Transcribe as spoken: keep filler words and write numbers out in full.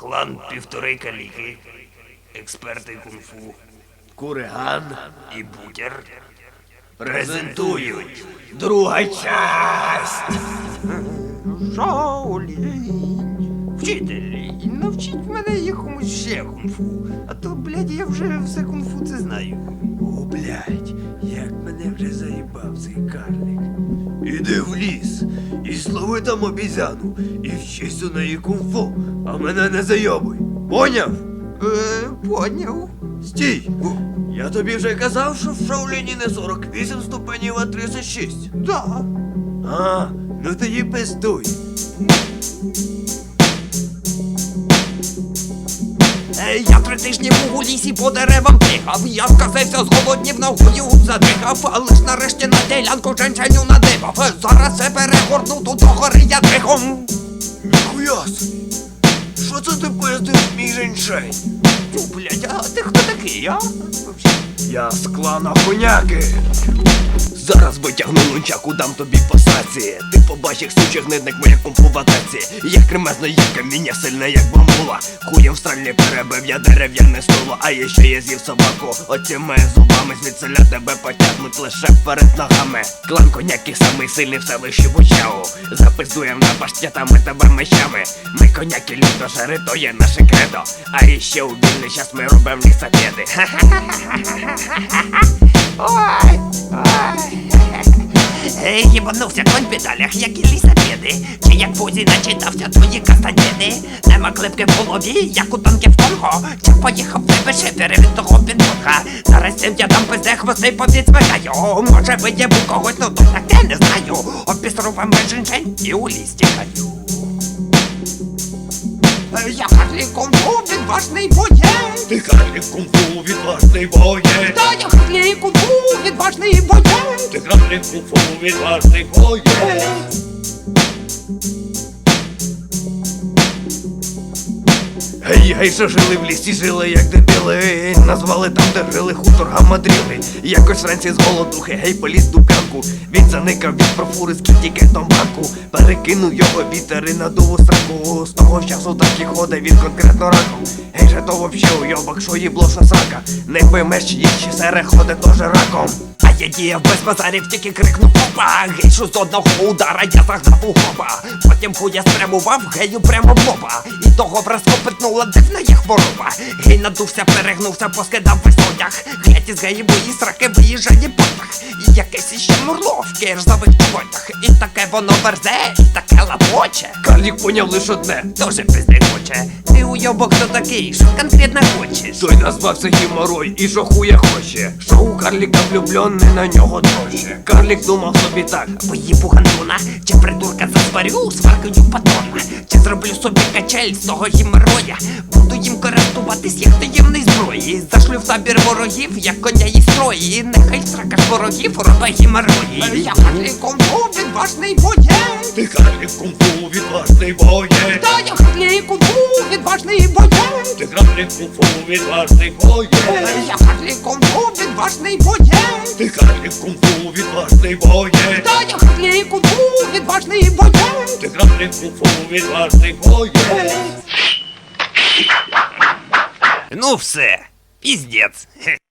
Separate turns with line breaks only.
Клан півтори каліки, експерти кунг-фу, Куриган і Бутер презентують друга часть. Шаолінь, вчитель, навчіть мене якомусь ще кунг-фу, а то, блядь, я вже все кунг-фу це знаю.
О, блядь, як мене вже заїбав цей карлик. Іди в ліс і слови там обізяну, і вчись у неї кунг-фу, а мене не зайобуй. Поняв?
Е, поняв.
Стій! Я тобі вже казав, що в Шаоліні не сорок вісім ступенів, а тридцять шість.
Да.
А, ну тоді пиздуй.
Е, Я три тижні був у лісі по деревам тихав. Я сказився, зголоднів, ногою задихав. Але ж нарешті на ділянку женщиню надибав. Е, Зараз це перегорну, тут до гори я дрихом.
Ніхуя собі! Що це ти пиздиш, мій женьшень?
Тю, блядь, а ти хто такий, а?
Я з клана Коняки.
Зараз витягну нунчаку, дам тобі по сраці. Ти побачиш сучих гнидник моя кунг-фу в атаці. Я кремезна, як каміння, сильна, як бамбула. Хуєм в стрельні перебив я дерев'яне стуло. А я ще я з'їв собаку, оціми зубами. Звідсиля тебе потягнуть лише вперед ногами. Клан Коняки самий сильний в селищі Вучау. Запиздуєм на паштятами тебе мечами. Ми коняки люто жари, то є наше кредо. А іще у вільний час ми робимо лісопеди.
Ой, ой. Ей, їбанувся конь в педалях, як і лісопеди. Чи як Фузі начитався твої кастанеди. Нема клепки в голові, як у танки в Конго. Чи поїхав тебе шифери від того підводка. Зараз цим я дам пизде хвости повідзвикаю. Може виєбу когось, ну то таке не знаю. Обісрував женщин і у ліс тікаю. Я Харлі кунг-фу, відважний боєць.
Ти Харлі кунг-фу, відважний боєць.
Та я Харлі кунг-фу, відважний боєць.
Ти Харлі кунг-фу, відважний боєць. Гей, гей, що жили в лісі, жили як дебіли. Назвали там, де жили хутор гамадріли. Якось вранці з голодухи, гей, поліз дубянку. Він заникав від профури з кітікетом банку. Перекинув його вітер і надув у сраку. З того часу так і ходить він конкретно раком. Гей, же то вообще уйобак, що їбло, що срака. Не поймеш, чи ще сере ходить тоже раком.
А я діяв без базарів, тільки крикнув опа. Гейшу з одного удара я загнав у хопа. Потім хуя спрямував гею прямо в лоба. І того враз копитнула дивна є хвороба. Гей надувся, перегнувся, поскидав весь одяг. Глядь із геї бої сраки виїжджає потяг. І якесь іще мурло в киржавих чоботях. І таке воно верзе, і таке лапоче.
Карлік поняв лиш одне.
Тоже пизди хоче. Ти уйобок хто такий, що конкретно хочеш?
Той назвався Гіморой і що хуя хоче. Що у Карліка влюблений на нього дорожче. Карлік думав собі так:
Поїбу гандуна, чи придурка засварю сваркою патрона. Чи зроблю собі качель з того гімероя. Буду їм користуватись як таємної зброї. Зашлю в табір ворогів, як коня і строї. Нехай срака ж ворогів робе гімерої. Я Харлі кунг-фу, відважний боєць.
Ти Харлі кунг-фу, відважний боєць.
Та я Харлі кунг-фу, відважний боєць.
Ти Харлі кунг-фу, відважний боєць.
Я Харлі кунг-фу, відважний боєць.
Ти Харлі кунг-фу, відважний боєць.
Та я Харлі кунг-фу, відважний боєць.
Ти Харлі кунг-фу, відважний боєць.
Ну все, піздець.